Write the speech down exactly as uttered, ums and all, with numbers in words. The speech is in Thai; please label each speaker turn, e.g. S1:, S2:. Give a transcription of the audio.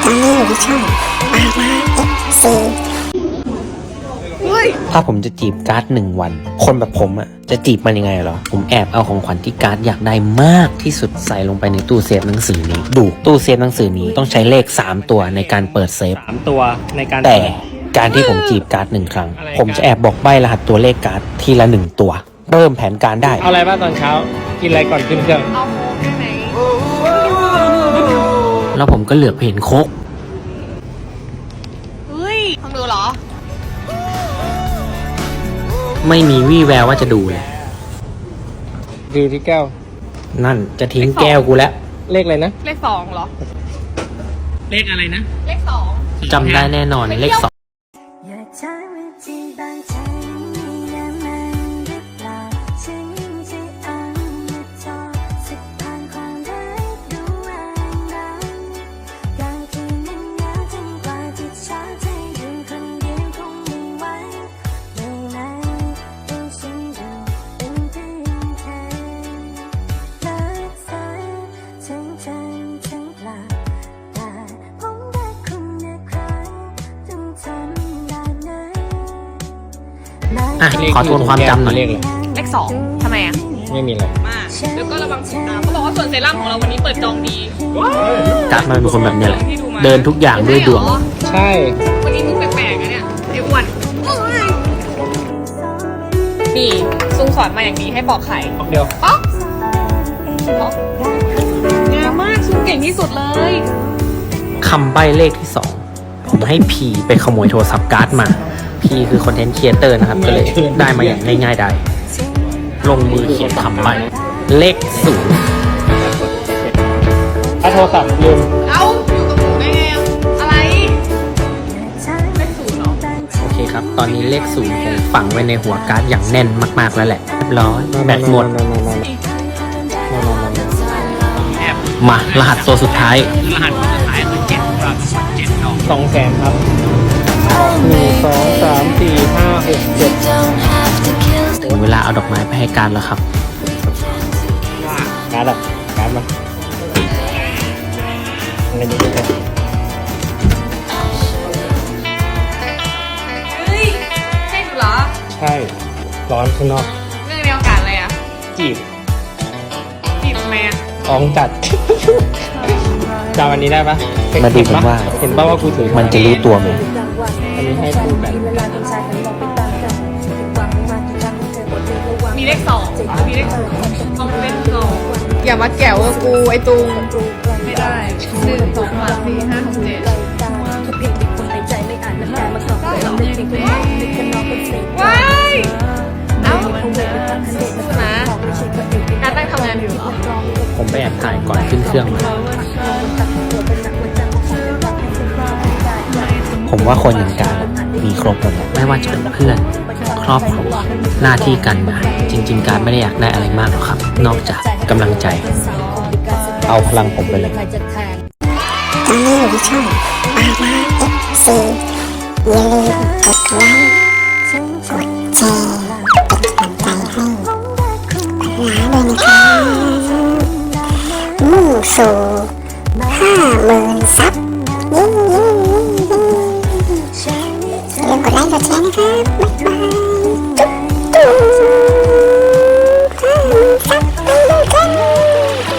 S1: ตอนนี้อยู่ที่ช่องปาราเอฟซี
S2: ถ้าผมจะจีบการ์ดหนึ่งวันคนแบบผมอ่ะจะจีบมันยังไงเหรอผมแอบเอาของขวัญที่การ์ดอยากได้มากที่สุดใส่ลงไปในตู้เซฟหนังสือนี้ดูตู้เซฟหนังสือนี้ต้องใช้เลขสามตัวในการเปิดเซฟ
S3: สามตัวในการ
S2: แต่การที่ผมจีบการ์ดหนึ่งครั้งผมจะแอบบอกใบรหัสตัวเลขการ์ดทีละหนึ่งตัวเริ่มแผนการได้
S3: เอาอะไรบ้างตอนเช้ากินอะไรก่อนขึ้นเครื่อง
S4: เอาโค้กได้ไหม
S2: แล้วผมก็เหลือบเห็นโค้ก
S4: เฮ้ยทำดูเหรอ
S2: ไม่มีวี่แววว่าจะดูเลย
S3: ดูที่แก้ว
S2: นั่นจะทิ้งแก้วกูแล้ว
S3: เลขอะไรนะ
S4: เลขสองเหรอ
S3: เลขอะไรนะ
S4: เลขสอง
S2: จำได้แน่นอนเลขสองอ่ะขอทวนความจำหน่อย
S4: เลขสองทำไมอ่ะ
S3: ไม่มีอะไร
S4: มากแล้วก็ระวังสีน้ำเขาบอกว่าส่วนเซรั่มของเราวันนี้เปิดจองดี
S2: การ์ดมันเป็นคนแบบนี้แหละเดินทุกอย่างด้วยดวง
S3: ใช่
S4: วันนี้มึงแปลกๆนะเนี่ยไอ้อ้วนนี่ซุงสอนมาอย่างนี้ให้ปอกไข่
S3: เดี๋ยว
S4: ป๊อกป๊อกงามมากซุงเก่งที่สุดเลย
S2: คำใบ้เลขที่สองผมให้พีไปขโมยโทรศัพท์การ์ดมาพีคือคอนเทนต์ครีเอเตอร์นะครับก็เลยได้มาอย่างง่ายๆได้ลงมือเขียนคำใบ้เลขศูนย์
S3: ถ้าโทรศัพท์ลืม
S4: เอ้าอยู่กับหนูได้ไงอะไรเลขศูนย์เหรอ
S2: โอเคครับตอนนี้เลขศูนย์ผมฝังไว้ในหัวการ์ดอย่างแน่นมากๆแล้วแหละเรียบร้อยแบตหมดมารหัสตัวสุดท้าย
S3: รหัสตัวสุดท้ายคือเจ็ดครับเจ็ดดอกสองแสนครับหนึ่งสองสามสี่ห้าหกเจ็ด
S2: ถึงเวลาเอาดอกไม้ไปให้การแล้วครับ
S3: การ์ดอะการ์ดมาอะไรนี้ก็ได้
S4: เฮ้ยใช่เหรอ
S3: ใช่ร้อนข้างนอก
S4: เรื่องในโอกาสอะไรอ่ะ
S3: จีบ
S4: จีบทำไมอ่ะ
S3: ท้องจัดจำวันนี้ได้ปะ
S2: มาดูกันว่า
S3: เห็นป่าว่ากูถือ
S2: มันจะรู้ตัวไหม
S3: อันนี้ให้กูแบบ
S4: มีเลขสองมีเลขศูนย์เอาเลขสองอย่ามาแก้วกับกูไอ้ตุงไม่ได้หนึ่งสองสามสี่ห้าหกเจ็ดว้ายเอ้าสู้นะการตั้งทำงานอยู่เหรอ
S2: ผมไปแอบถ่ายก่อนขึ้นเครื่องมาผมว่าคนอย่างการมีครบหมดไม่ว่าจะเป็นเพื่อนครอบครัวหน้าที่การงานจริงๆการไม่ได้อยากได้อะไรมากหรอกครับนอกจากกำลังใจเอาพลังผมไปเลย
S1: ตอนนี้อยู่ที่ช่องปาราเอฟซีอย่าลืมกดไลค์กดแชร์เป็นกำลังใจให้ปาราด้วยนะครับมุ่งสู่ห้าหมื่นซับยิ่งยิ่งยิ่งยิ่งอย่าลืมกดไลค์กดแชร์นะครับบ๊ายบายจุ๊บจุ๊บ